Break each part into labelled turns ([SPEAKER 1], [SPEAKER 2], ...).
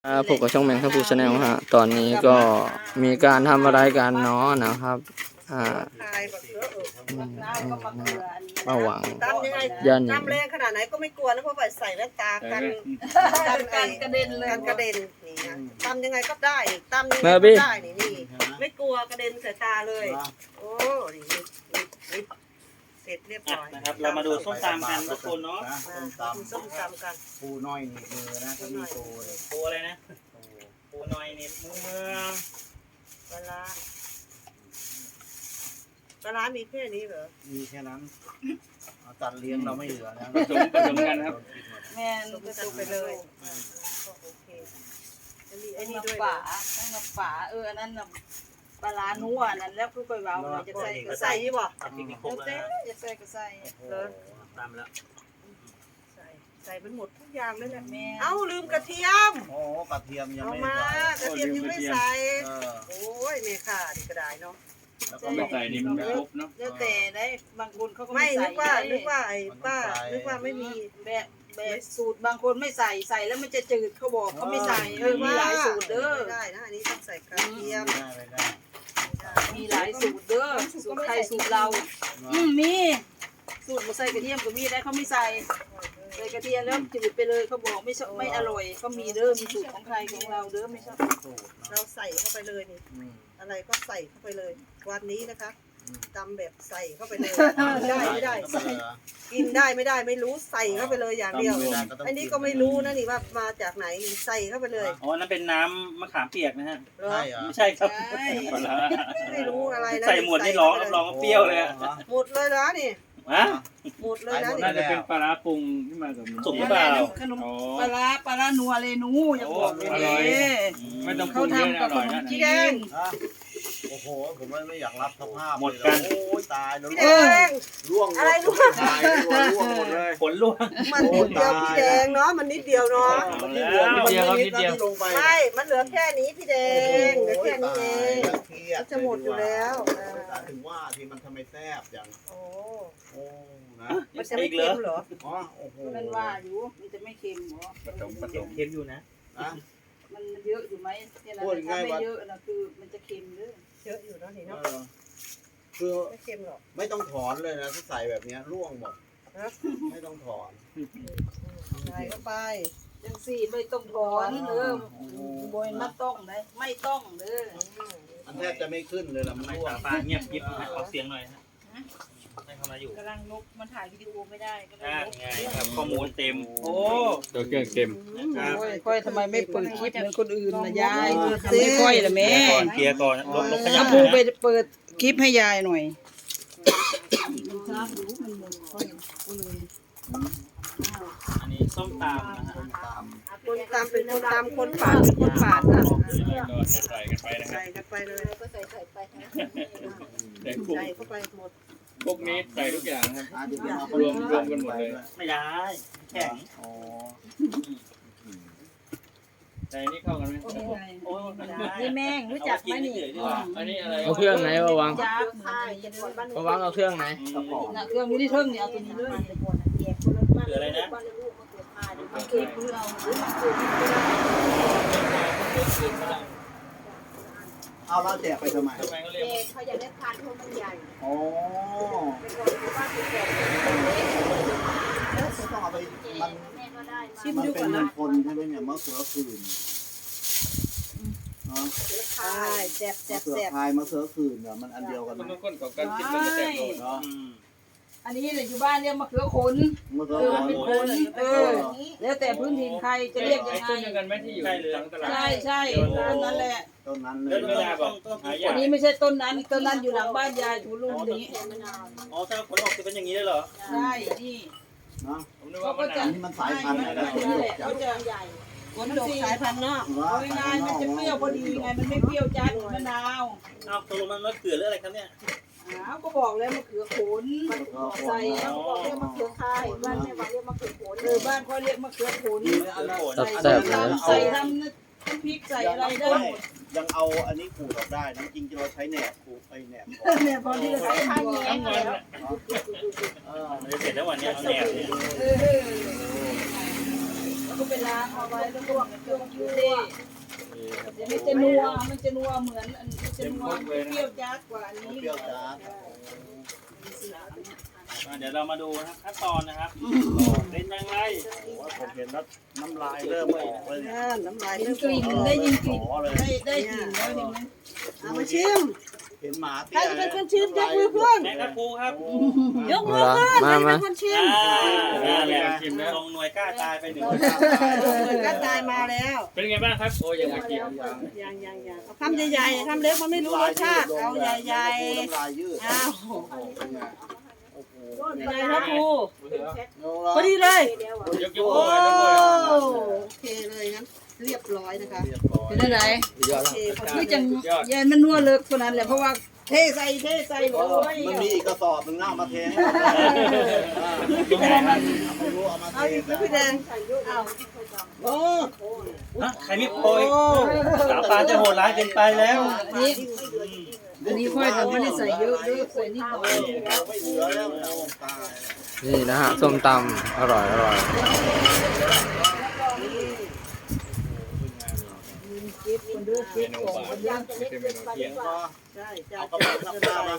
[SPEAKER 1] พบกับช่องแมงครับผู้ชาแนลฮะตอนนี้ก็มีการทำอะไรกันเนาะนะครับระหว่าง
[SPEAKER 2] ตำยังไง
[SPEAKER 1] ย่าน
[SPEAKER 2] น้ำแรงขนาดไหนก็ไม่กลัวนะเพราะว่าใส่แว่นตากันกระเด็นเลยกันกระเด็นนี่นะตำยังไงก็ได้ตำยังไงก็ได้นี่ไม่กลัวกระเด็นใส่ตาเลยโอ้นี่เสร็จเรียบร้อย
[SPEAKER 3] นะครับเรามาดูส้มตำกันทุกคนเนาะ
[SPEAKER 2] ส้มตำกัน
[SPEAKER 4] ปูน้อยนี่มือนะถ้ามีปูเลย
[SPEAKER 3] ปูอะไรนะปูน้อยนี่มือ
[SPEAKER 2] ปลาร้ามีแค่นี้เหรอ
[SPEAKER 4] มีแค่นั้นจัดเลี้ยงเราไม่เหลือนะ
[SPEAKER 3] ผสมกันครับ
[SPEAKER 2] แม่ลูกก็ไปเลยโอเคไอ้นี่ด้วย
[SPEAKER 5] ป่าตั้งน้ำป่าอันนั้นน่ะปลานัวนั่นแล้วคือไปเว้าเราจะใส่ก็
[SPEAKER 2] ใส่
[SPEAKER 5] ใส่
[SPEAKER 2] ยี่บ่
[SPEAKER 3] ทำพริกนี่ครบ
[SPEAKER 5] เต้
[SPEAKER 3] แล้ว
[SPEAKER 5] จะใส่ก็ใส่
[SPEAKER 2] เลย
[SPEAKER 3] ตำแล้ว
[SPEAKER 2] ใส่เป็นหมดทุกอย่างเลยแหละ
[SPEAKER 5] แม่
[SPEAKER 2] เอ้าลืมกระเทียม
[SPEAKER 4] โอ้กระเทียมยัง
[SPEAKER 2] เอา
[SPEAKER 4] ไม่
[SPEAKER 2] มากระเทียมยังไม่ใส่
[SPEAKER 4] เออ
[SPEAKER 2] โอ้ยเมค่าดีก็ได้เนาะ
[SPEAKER 4] แล้วก็ไม่
[SPEAKER 3] ใส่นี่มันไม่ครบเนาะ
[SPEAKER 5] แล้วแต่ได้บางคนเขาก็
[SPEAKER 2] ไม่
[SPEAKER 5] ไม่
[SPEAKER 2] นึ
[SPEAKER 5] ใส่
[SPEAKER 2] กว่าไอ้ป้านึกว่าไม่มี
[SPEAKER 5] แบบสูตรบางคนไม่ใส่แล้วมันจะจืดเขาบอกเขาไม่ใส่มีหลายสูตรเด้อ
[SPEAKER 2] ไม่ได้นะอันนี้ต้องใส่กระเทียม
[SPEAKER 4] ไม่ได้
[SPEAKER 5] มีหลายสูตรเด้อสูตรใครสูตรเรามีสูตรบ่ใส่กระเทียมก็มีได้เขาไม่ใส่ใส่กระเทียมแล้วจืดไปเลยเขาบอกไม่อร่อยเขามีเด้อมีสูตรของใครของเราเด้อไม่ใช่
[SPEAKER 2] เราใส่เข้าไปเลยนี่อะไรก็ใส่เข้าไปเลยวันนี้นะคะตำแบบใส่เข้าไปเลยได้ไม่ได้กินได้ไม่ได้ไม่รู้ใส่เข้าไปเลยอย่างเดียวอันนี้ก็ไม่รู้นะนี่ว่ามาจากไหนใส่เข้าไปเลย
[SPEAKER 3] อ๋อนั่นเป็นน้ำมะขามเปียกนะฮะ
[SPEAKER 2] เหรอ
[SPEAKER 4] ใช่เหรอ
[SPEAKER 3] ไม่ใช่ครับ
[SPEAKER 2] ไม่รู้อะไรนะ
[SPEAKER 3] ใส่หมดนี่ร้องรับรองว่าเปรี้ยวเลยอะ
[SPEAKER 2] หมดเลยนะนี่
[SPEAKER 3] ฮะ
[SPEAKER 2] หมดเลยนะ
[SPEAKER 4] น่า
[SPEAKER 2] นี่
[SPEAKER 4] จะเป็นปลาร้า
[SPEAKER 3] สุกหรือเปล่า
[SPEAKER 5] ขนมปลานัวเลยหนูอย่าบอกเลย
[SPEAKER 3] ไม่ต้อง
[SPEAKER 5] เขาทำกับขนมจีน
[SPEAKER 4] โอ้โหผมไม่อยากรับสภาพ
[SPEAKER 3] หมดกัน
[SPEAKER 4] โอ้ยตายแล้ว
[SPEAKER 2] พี่แดง
[SPEAKER 4] ร่วง
[SPEAKER 2] อะไรร่วง
[SPEAKER 4] ตายร่วงหมดเลย
[SPEAKER 3] ผลล่วง
[SPEAKER 2] มันนิดเดียวพี่แดงเนาะมันนิดเดียวเนาะ
[SPEAKER 4] มันนิดเดียวมันนิดเดียวลงไป
[SPEAKER 2] ไม่มันเหลือแค่นี้พี่แดงเหลือแค่นี้เองมันจะหมดอยู่แล้วอ่า
[SPEAKER 4] ถึงว่าที่มันทำไมแซ่บอย่าง
[SPEAKER 2] โอ้
[SPEAKER 4] โอ้นะ
[SPEAKER 2] มันจะไม่เค็มเหรอ
[SPEAKER 4] อ๋อโอ้โห
[SPEAKER 5] มันว่าอยู่มันจะไม่เค็มหรอ
[SPEAKER 3] เค็มอยู่นะ
[SPEAKER 4] นะ
[SPEAKER 5] มันเยอะอยู่ไหมเนี่ยนะถ้าไม่เยอะนะคือมันจะเค็มเด้อ
[SPEAKER 2] เยอะอยู่เนาะนี่
[SPEAKER 4] เอ
[SPEAKER 2] เนาะ
[SPEAKER 4] อคือ
[SPEAKER 2] ไม่เค็มหรอก
[SPEAKER 4] ไม่ต้องถอนเลยนะถ้าใส่แบบเนี้ยร่วงหมดไม่ต้องถอน
[SPEAKER 2] ใส่เข้าไป
[SPEAKER 5] จังสี่ไม่ต้องถอนเด้อโบยมาต้องได้ไม่ต้องเด้อ
[SPEAKER 4] อันแทบจะไม่ขึ้นเลยละมัน
[SPEAKER 3] ไม่
[SPEAKER 4] ร่วง
[SPEAKER 3] ตาปลาเงียบยิบขอเสียงหน่อยฮะให้เขามาอยู่
[SPEAKER 5] กำลังนกมันถ่ายวิดีโอไม่ได้ก็เลย
[SPEAKER 3] ไงครับข้อมูลเต็มโอ้
[SPEAKER 1] ตัวเครื่องเค็ม
[SPEAKER 3] ครับ
[SPEAKER 5] ค่อยทำไมไม่เปิดคลิปเหมือนคนอื่นนะยายไม่ค่อยละแม่
[SPEAKER 3] เคลียร์ก่อนลบขยะ
[SPEAKER 5] ถ้าปูไปเปิดคลิปให้ยายหน่อย
[SPEAKER 3] อันนี้ส้มตำนะฮะ
[SPEAKER 2] คนตำเป็นคนตำคนปาดเป็นคนปาดนะ
[SPEAKER 3] ใส่กันไปนะครั
[SPEAKER 2] ใส่
[SPEAKER 3] บ
[SPEAKER 2] กันไปเลย
[SPEAKER 5] ก็ใส่ไป
[SPEAKER 2] ใส่เข้าไปหมด
[SPEAKER 1] พวกนี้ใส่ทุกอย่างครับ
[SPEAKER 4] รวมกันหมดเลย
[SPEAKER 3] ไม่ได้แข็ง
[SPEAKER 4] อ๋อ
[SPEAKER 1] ใส่นี่เข้ากันไหม
[SPEAKER 3] โอ้ไม่ได้
[SPEAKER 5] นี่แม่งรู้จักไหมนี่
[SPEAKER 1] อันนี้อะไรเอาเครื่องไหนมาวาง
[SPEAKER 5] จับ
[SPEAKER 2] ใช่จะหมดบ้าน
[SPEAKER 1] มาวางเอาเครื่องไหน
[SPEAKER 5] นะเครื่องนี้ที่เทิงเนี่ยเอาตัวนี้ด้วย
[SPEAKER 3] คืออะไรนะ
[SPEAKER 5] เก็บเพื่อเอาหรือมาเก็บ
[SPEAKER 4] เอาแล้วแจกไปทำไม
[SPEAKER 3] ทำไมเขาเรียก
[SPEAKER 2] เขาอยากได้ทานเพราะมันใหญ่
[SPEAKER 4] อ๋อ
[SPEAKER 2] เป็นคนที่บ้านเป็นแบบ
[SPEAKER 4] ไม่ต้องเอาไปมัน
[SPEAKER 2] แม่ก็ได้
[SPEAKER 4] มันเป็นเงินคนใช่ไหมเนี่ยมะเขือคืนเนาะ
[SPEAKER 2] ใช่แซ่บ
[SPEAKER 4] มะเขือพายมะเขือคืนเนี่ยมันอันเดียวกัน
[SPEAKER 1] มัน
[SPEAKER 4] นะ
[SPEAKER 1] ก้นกับการกินมันจะแตกต่างเนาะ
[SPEAKER 5] อันนี้เนี่ยอยู่บ้านเรียกมะเขือขน
[SPEAKER 4] มะเขือ
[SPEAKER 5] เป็น
[SPEAKER 4] คื
[SPEAKER 5] คน นแล้วแต่พื้นถิ่นใครจะเรียกยังไง
[SPEAKER 1] ต้นเดียวกันไหมที่อยู่หลังตลาด
[SPEAKER 5] ใช่ต้นนั้นแหละ
[SPEAKER 4] ต้นนั้นเล
[SPEAKER 3] แล้ว
[SPEAKER 4] ย
[SPEAKER 3] เวลาบอกหายา
[SPEAKER 5] อันนี้ไม่ใช่ต้นนั้นต้นนั้นอยู่หลังบ้านยายถูลุงนี้
[SPEAKER 3] อ๋อถ้าผลออกจะเป็นอย่างนี้ได้เหรอ
[SPEAKER 5] ใช่นี่
[SPEAKER 4] เนาะ
[SPEAKER 1] ผมนึก
[SPEAKER 5] เขา
[SPEAKER 1] ว่า
[SPEAKER 5] ก็
[SPEAKER 1] มัน
[SPEAKER 5] จะ
[SPEAKER 4] อันนี้มันสายพันธุ์อะไร
[SPEAKER 5] นั่นแหละ
[SPEAKER 4] จั
[SPEAKER 5] เขา
[SPEAKER 4] ด
[SPEAKER 5] จะขนดกสายพันธุ์นอกเอาง่ายๆมันจะเปรี้ยวพอดีไงมันไม่เปรี้ยวจัดเหมือนมะนาว
[SPEAKER 3] อ้าวตกลงมันมะเขือหรืออะไรครับเนี่ย
[SPEAKER 5] อ้าวก็บอกแล้วมะเขือขนใส่
[SPEAKER 3] อ๋อ
[SPEAKER 2] เรียกมะเขือคายบ้านแม่ว่าเรียกมะเขือโขน
[SPEAKER 5] บ้านเขาเรียกมะเขือขน
[SPEAKER 1] แซ่บเลย
[SPEAKER 5] ใส่ทำน้ำพริกใส่อะไรได้หมด
[SPEAKER 4] ยังเอาอันนี้ขูดออกได้นะจริงๆเราใช้แหนบขูดไปแหนบ
[SPEAKER 5] เนี่ยพอที่จะใส่ทานแยงแล้ว
[SPEAKER 3] มันจะเสร็จแล้ววันนี้เอาแหนบเนี่ย
[SPEAKER 5] ก็ก็ไปล้างเอาไว้แล้วลวกเครื่องยูเร่มันจะนัวเหมือนอันมันจะนัวเปรี้ยวจัดกว่าอันนี้
[SPEAKER 4] เปรี้ยวจ้า
[SPEAKER 3] เดี๋ยวเรามาดูนะครับขั้นตอนนะครับเป็นยังไง
[SPEAKER 4] โอ้ผมเห็นแล้วน้ำลายเริ่มออกเลยเนี่ย
[SPEAKER 2] น้ำลาย
[SPEAKER 5] ได้
[SPEAKER 2] เริ่ม
[SPEAKER 5] กลิ่นได้ยินกลิ่น
[SPEAKER 4] ขอเลย
[SPEAKER 5] ได้กลิ่นแล้วเห็นไหม
[SPEAKER 2] เอามาชิม
[SPEAKER 4] เห็นหมา
[SPEAKER 2] ใครจะเป็นคนชิมยกมือขึ้น
[SPEAKER 3] แม่ครับครูครับ
[SPEAKER 2] ยกมือขึ้นใครจะเป็นคนชิม
[SPEAKER 3] ชิมแล้วลงหน่วยกล้าตายไปหนึ่ง
[SPEAKER 2] ก็ตายมาแล้ว
[SPEAKER 3] เป็นไงบ้างครับโอ้ยังอยากกิน
[SPEAKER 2] ยังเอาคำใหญ่ๆคำเล็กมันไม่รู้รสชาติเอาใหญ่
[SPEAKER 4] น้ำลายยืด
[SPEAKER 2] ๆอ้าว
[SPEAKER 4] เป็นไงโอ้โห
[SPEAKER 2] เป็นไงครับครู
[SPEAKER 4] โอ้
[SPEAKER 2] พอดีเลย
[SPEAKER 3] ยก
[SPEAKER 2] โอ้
[SPEAKER 3] เลย
[SPEAKER 2] โอเคเลยงั้นเรียบร้อยนะคะ
[SPEAKER 4] เรียบร้อย
[SPEAKER 5] เป็นอะไร
[SPEAKER 1] ยอด
[SPEAKER 2] โอ
[SPEAKER 1] แล้ว
[SPEAKER 2] เคพอดี
[SPEAKER 5] คือจังยายมันนัวเลิกคนนั้นแหละเพราะว่าเทใส่โอ้ย
[SPEAKER 4] มันมีอีกกระสอบหนึ่งหน้ามาเทให้ ไม่รู้เอามาเท
[SPEAKER 2] เอาอีกพี่แดงเอาโอ้
[SPEAKER 3] ใครรีบโปรยสาวปานจะโหดร้ายเกินไปแล้ว
[SPEAKER 5] อันนี้ค่อยแต่ไม่ได้ใส่เยอะเด้อใส่นิดหน่อย
[SPEAKER 4] ไม่เหลือแล้วตาย
[SPEAKER 1] นี่นะฮะส้มตำอร่อย
[SPEAKER 5] เก็บคนเด้อเก็บของคนย่างจะเล็กเกินไปหรือเปล่า
[SPEAKER 2] ใช่ใช่
[SPEAKER 4] เอากระเป๋าธรรมดามา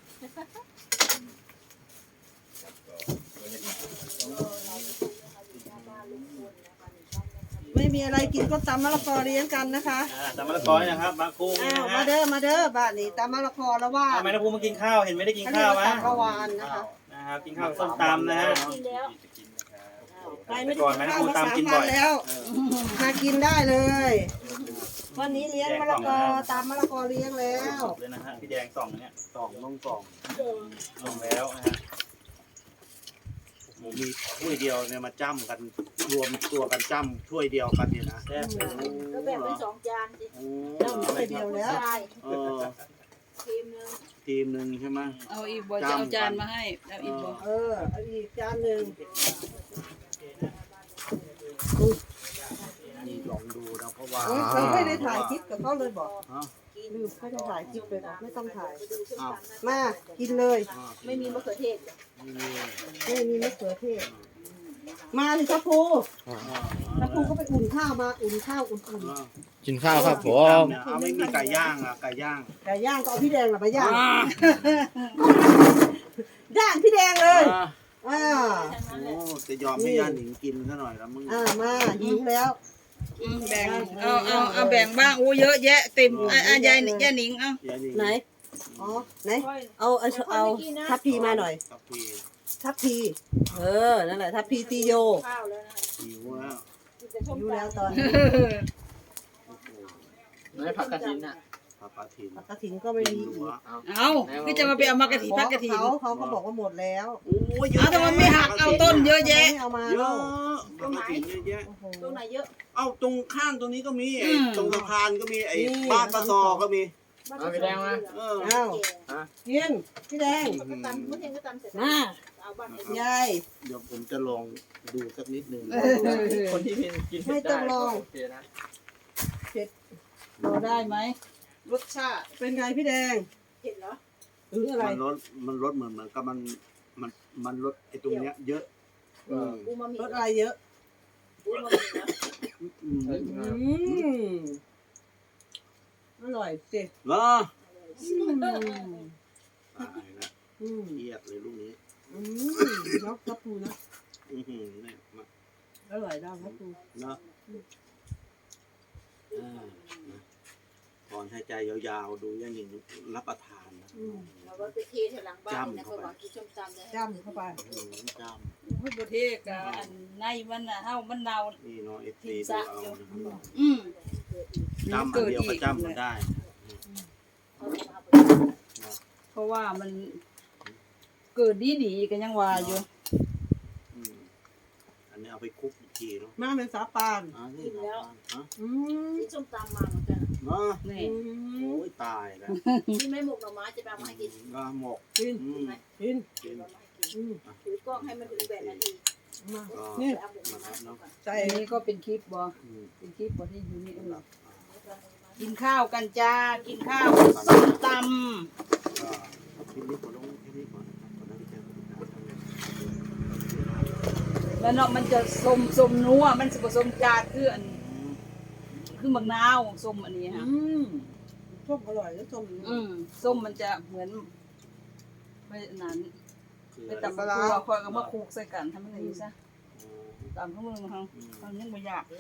[SPEAKER 2] ไม่มีอะไรกินก็ตำมะละกอเลี้ยงกันนะคะ
[SPEAKER 3] ตามมะละกอนะครับบางครู
[SPEAKER 2] อ้าว
[SPEAKER 3] นะ
[SPEAKER 2] มา
[SPEAKER 3] ฮะ
[SPEAKER 2] เด้อบ้านนี้ตำมะละกอแล้วว่า
[SPEAKER 3] ทำไมนะครูมากินข้าวเห็นไม่ได้กิน
[SPEAKER 2] เขาเรีย
[SPEAKER 3] ข้าก ว
[SPEAKER 2] ว่า
[SPEAKER 3] วะ
[SPEAKER 2] ตำกะวานนะคะ
[SPEAKER 3] นะครับกินข้าวส้มตำนะฮะ
[SPEAKER 2] ใครไม่ได้กินข้าวมา3 วันแล้วมากินได้เลย วันนี้เลี้ยงมะละกอตำมะละกอเลี้ยงแล้ว
[SPEAKER 3] เลยนะฮะพี่แดงส่องเนี่ย
[SPEAKER 4] สองน้องสอง
[SPEAKER 3] ส่องแล้วนะฮะ
[SPEAKER 4] ผมมีถ้วยเดียวเนี่ยมาจ้ำกันรวมตัวกันจ้ำถ้วยเดียวกันเนี่ยนะ
[SPEAKER 3] แซ่บ
[SPEAKER 5] ก็แบ่งเป็น2 จานสิ
[SPEAKER 4] โอ้
[SPEAKER 2] จ้ำถ้วยเดียวแล้ว
[SPEAKER 5] ใช่
[SPEAKER 4] เออ
[SPEAKER 5] ทีมนึง
[SPEAKER 4] ทีมหนึ่งใช่ไหม
[SPEAKER 5] เอาอีกบ่จะเอาจานมาให้เอาอีกบ่
[SPEAKER 2] เอาอีกจานหนึ่ง
[SPEAKER 4] นี่ลองดูนะเพราะว่า
[SPEAKER 2] เราไม่ได้ถ่ายคลิปกับเขาเลยบอก
[SPEAKER 4] ฮะ
[SPEAKER 2] ลืมไม่ได้ถ่ายคลิปเลยบอกไม่ต้องถ่าย
[SPEAKER 4] อ้าว
[SPEAKER 2] มากินเลย
[SPEAKER 5] ไม่มีมะเขือเทศ
[SPEAKER 4] นี่
[SPEAKER 2] ไม่มีมะเขือเทศมาสิครับครูแล้วครูก็ไปอุ่นข้าวมาอุ่นข้าวอุ่น
[SPEAKER 1] กินข้าวครับผม
[SPEAKER 4] เนี่ยเอาไม่มีไก่ย่างอ่ะไก่ย่าง
[SPEAKER 2] ๆไก่ย่างก็เอาพี่แดงมาย่างย่างพี่แดงเลยอ่า
[SPEAKER 4] โอ้จะยอมให้ย่าหนิงกินซะหน่อยแล้วมึง
[SPEAKER 2] มาหิวแล้ว
[SPEAKER 5] แบ่งเอาแบ่งบ้างโอ้เยอะแยะเต็มยายหนิงเอา
[SPEAKER 4] ย่าหนิง
[SPEAKER 2] ไหนอ๋อไหนเอาทัพพีมาหน่อย
[SPEAKER 4] กับพี่
[SPEAKER 2] ทัพพีนั่นแหละทัพพีตีโย
[SPEAKER 5] ข้าวแล้วนะ
[SPEAKER 4] หิวแล้ว
[SPEAKER 2] หิวแล้วตอนนี้
[SPEAKER 1] ไม่ผักกระถินอ่ะ
[SPEAKER 4] ผักกระถิ่น
[SPEAKER 2] กระถินก็ไม่มี
[SPEAKER 4] หัว
[SPEAKER 5] เอาคือจะมาไปเอามากระถิ่นพักกระถิ่น
[SPEAKER 2] เขาก็บอกว่าหมดแล้ว
[SPEAKER 4] โอ้ยเยอะ
[SPEAKER 5] เอาแต่มันไม่หักเอาต้นเยอะแยะ
[SPEAKER 2] ไม่เอามา
[SPEAKER 4] เย
[SPEAKER 2] แล้
[SPEAKER 4] อะ
[SPEAKER 2] ว
[SPEAKER 4] ผักกระถิ่นเยอะแยะ
[SPEAKER 2] โอ้โห
[SPEAKER 5] ตรงไหนเยอะ
[SPEAKER 4] เอ้าตรงข้างตรงนี้ก็มีไอ้
[SPEAKER 5] อืม
[SPEAKER 4] ตรงสะพานก็มีไอ้
[SPEAKER 2] นี่
[SPEAKER 4] บ้านปลาซอก็มี
[SPEAKER 1] เอาไปแดงมา
[SPEAKER 4] เออ
[SPEAKER 2] อ้าวกินพี่แดง
[SPEAKER 5] ก็ตำเมื่อเช้าก็ตำเสร็จ
[SPEAKER 2] มา
[SPEAKER 5] เอาบ้าน
[SPEAKER 2] ยาย
[SPEAKER 4] เดี๋ยวผมจะลองดูสักนิดหนึ่ง
[SPEAKER 1] คนที่กิน
[SPEAKER 2] ไม่ต้องลอง
[SPEAKER 1] โอเคนะ
[SPEAKER 5] พอได้ไหมรสชาติ
[SPEAKER 2] เป็นไงพี่แดง
[SPEAKER 5] เห็นเหรอ
[SPEAKER 2] หรืออะไร
[SPEAKER 4] มันลดเหมือนกับมันลดไอ้ตรงเนี้ยเยอะ
[SPEAKER 5] อูมามิ
[SPEAKER 2] รสอะไรเยอะ
[SPEAKER 5] อูมามินะ
[SPEAKER 4] อืม
[SPEAKER 2] อร่อยสิ
[SPEAKER 4] เหรอ
[SPEAKER 2] อืม
[SPEAKER 4] ตายละ
[SPEAKER 2] อืม
[SPEAKER 4] เครียดเลยลูกนี้
[SPEAKER 2] เนาะครับครูนะ
[SPEAKER 4] เนี่ยมา
[SPEAKER 2] อร่อยได้ครับครู
[SPEAKER 4] เนาะนะถอนหายใจยาวๆดูย่าหนิงรับประทานนะ
[SPEAKER 5] เราก็ไปเทแถวหลังบ้านนะเขาบอกกินส้มตำเลย
[SPEAKER 2] จ้ำเข้าไป
[SPEAKER 4] จ้
[SPEAKER 5] พูดประเทศกับอันในมันน่ะเฮามันเนา
[SPEAKER 4] ำนี่เนาะเอฟซีดูเอานะครับ
[SPEAKER 5] อืม
[SPEAKER 4] จ้ำอันเดียวก็จ้ำมันได้
[SPEAKER 5] เพราะว่ามันเกิดดีๆกันยังว่าอยู่
[SPEAKER 4] อืมอันนี้เอาไปคลุกอีกทีเนาะ
[SPEAKER 2] มาเป็นสาปาน
[SPEAKER 4] นี่ครับฮะ
[SPEAKER 2] อืม
[SPEAKER 5] ที่ส้มตำมาเหมือนกัน
[SPEAKER 4] เนาะ
[SPEAKER 5] นี่
[SPEAKER 4] โอ้ยตายแล้ว
[SPEAKER 5] ที่ไม่หมกหน่อไม้จะไปเอามาให้กิน
[SPEAKER 4] ก็หมก
[SPEAKER 2] กิน
[SPEAKER 4] อืม
[SPEAKER 2] กิน
[SPEAKER 4] กิน
[SPEAKER 2] อืม
[SPEAKER 5] ถือกล้องให้มันถึง8 นาที
[SPEAKER 2] มา
[SPEAKER 4] ก็
[SPEAKER 2] นี่
[SPEAKER 5] เอาหมกหน่อไม้ก่อน
[SPEAKER 2] ใส่
[SPEAKER 5] อันนี้ก็เป็นคลิปบ่
[SPEAKER 4] อืม
[SPEAKER 5] เป็นคลิปบ่ที่อยู่นี่
[SPEAKER 4] ครับ
[SPEAKER 5] กินข้าวกันจ้ากินข้าวส้มต
[SPEAKER 4] ก็คลิปนี้ขอลงแค่นี้ก่อนนะครับขอได้แค่นี้นะครับ
[SPEAKER 5] ำแล้วเนาะมันจะส้มนัวมันสิผสมจาดคืออันคือมะนาวส้มอันนี้ค่ะ
[SPEAKER 2] ส้มอร่อยแล้วส้ม
[SPEAKER 5] ส้มมันจะเหมือนไม่นั้นไปตำตัวคอยก็มาคลุกใส่กันทำอะไรซะตำข้าวมือมาทำยังไม่ยากเลย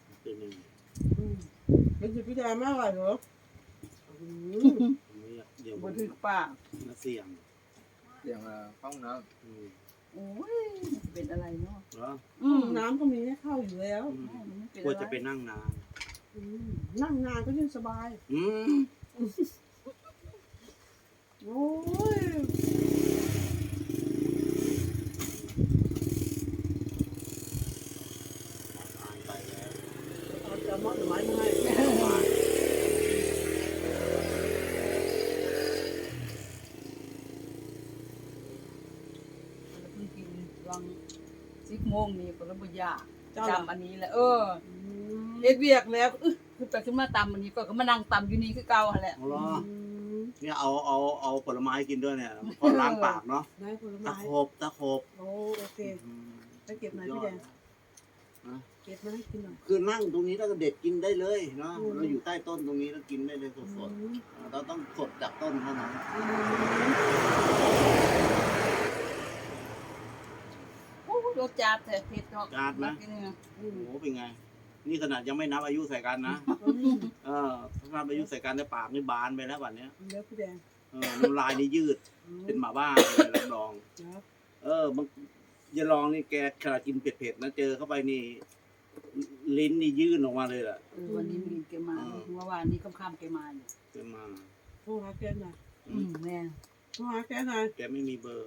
[SPEAKER 2] เป็นสิพี่แดงมากเลยเหรอ
[SPEAKER 4] เดี๋ยว
[SPEAKER 5] บนถึกปาก
[SPEAKER 4] เสี่ยง
[SPEAKER 1] เสียงห้องน้
[SPEAKER 5] โอ้ยเป็นอะไรเนาะ
[SPEAKER 4] เหรอ
[SPEAKER 2] น้ำก็มีให้เข้าอยู่แล้ว
[SPEAKER 4] กลัวจะไปนั่งนาน
[SPEAKER 2] นั่งนานก็ยิ่งสบายโอ้ยเอาจะมอดหรือไม้มาให้
[SPEAKER 5] เพิ่งกินวัง10 โมงนี่ก็ระบยากจำอันนี้แหละเฮ็ดเวียกแล้วขึ้นไปขึ้นมาตำอันนี้ก็มานั่งตำอยู่นี่คือเก่าหั่นแหละ
[SPEAKER 4] เอาล่ะเนี่ยเอาผลไม้กินด้วยเนี่ยเพราะล้างปากเนาะ
[SPEAKER 2] ได้ผล
[SPEAKER 4] ตะ
[SPEAKER 2] ไม้
[SPEAKER 4] โขบ
[SPEAKER 2] โอเคไปเก็บหน่อยพี่แดงเก็บมาให้กินหน่อย
[SPEAKER 4] คือนั่งตรงนี้แล้วก็เด็ดกินได้เลยเนาะเราอยู่ใต้ต้นตรงนี้แล้วกินได้เลยสดๆเราต้องสดจากต้นเท่านั้น
[SPEAKER 5] โอ้รสจัดแต่เผ็ดเนาะ
[SPEAKER 4] จาดไหมโอ้โหเป็นไง นี่ขนาดยังไม่นับอายุใส่กันนะถ้านับอายุใส่กันในปากนี่บานไปแล้ววันเนี้ย
[SPEAKER 2] เดี๋ยวพี่แดง
[SPEAKER 4] น้ำลายนี่ยืดเป็นหมาบ้าเลยรับรองมันอย่าลองนี่แกขนาดกินเผ็ดๆนะเจอเข้าไปนี่ลิ้นนี่ยื่นออกมาเลยล่ะ
[SPEAKER 5] วันนี้มีแกมาเมื่อวานนี้ค่ำๆแกมาอยู่
[SPEAKER 4] แกมา
[SPEAKER 2] โทรหาแกหน่อย
[SPEAKER 5] แม่
[SPEAKER 2] โทรหาแกหน่อย
[SPEAKER 4] แกไม่มีเบอร์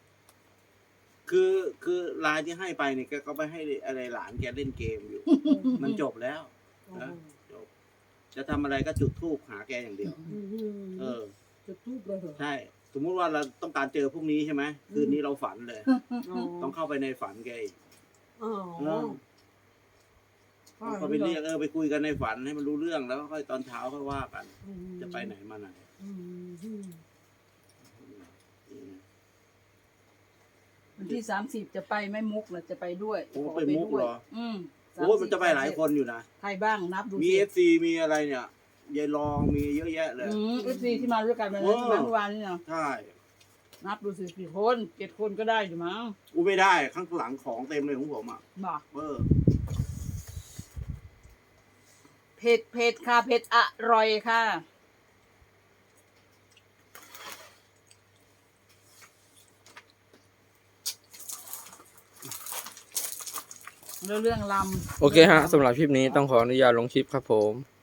[SPEAKER 4] คือไลน์ที่ให้ไปเนี่ยแกก็ไปให้อะไรหลานแกเล่นเกมอยู่ มันจบแล้วนะจบจะทำอะไรก็จุดธูปหาแกอย่างเดียว
[SPEAKER 2] จะทูบเลยเหรอ
[SPEAKER 4] ใช่ สมมุติว่าเราต้องการเจอพรุ่งนี้ใช่ไหมคืนนี้เราฝันเลย ต้องเข้าไปในฝันแกอีกเขาไปเรียกไปคุยกันในฝันให้มันรู้เรื่องแล้วค่อยตอนเช้าค่อยว่ากัน จะไปไหนมาไหน
[SPEAKER 5] วันที่30จะไปไม่มุกนะจะไปด้วย
[SPEAKER 4] โอ้ไปมุกเหรอ
[SPEAKER 5] 30
[SPEAKER 4] โอ้มันจะไปหลายคนอยู่นะ
[SPEAKER 5] ใครบ้างนับดู
[SPEAKER 4] มีFC มีอะไรเนี่ยยายรองมีเยอะแยะเลย
[SPEAKER 5] FC ที่มาด้วยกันวันนั้นเมื่อวานนี่เนาะ
[SPEAKER 4] ใช่
[SPEAKER 5] นับดูสิกี่คน7 คนก็ได้อยู่มั้ง
[SPEAKER 4] กูไม่ได้ข้างหลังของเต็มเลยของผมอ่ะ
[SPEAKER 5] บอก
[SPEAKER 4] เผ็ด
[SPEAKER 5] เผ็ดค่ะเผ็ดอร่อยค่ะเรื่องลำ
[SPEAKER 1] ำโอเคฮะสำหรับคลิปนี้ต้องขออนุญาตลงคลิปครับผม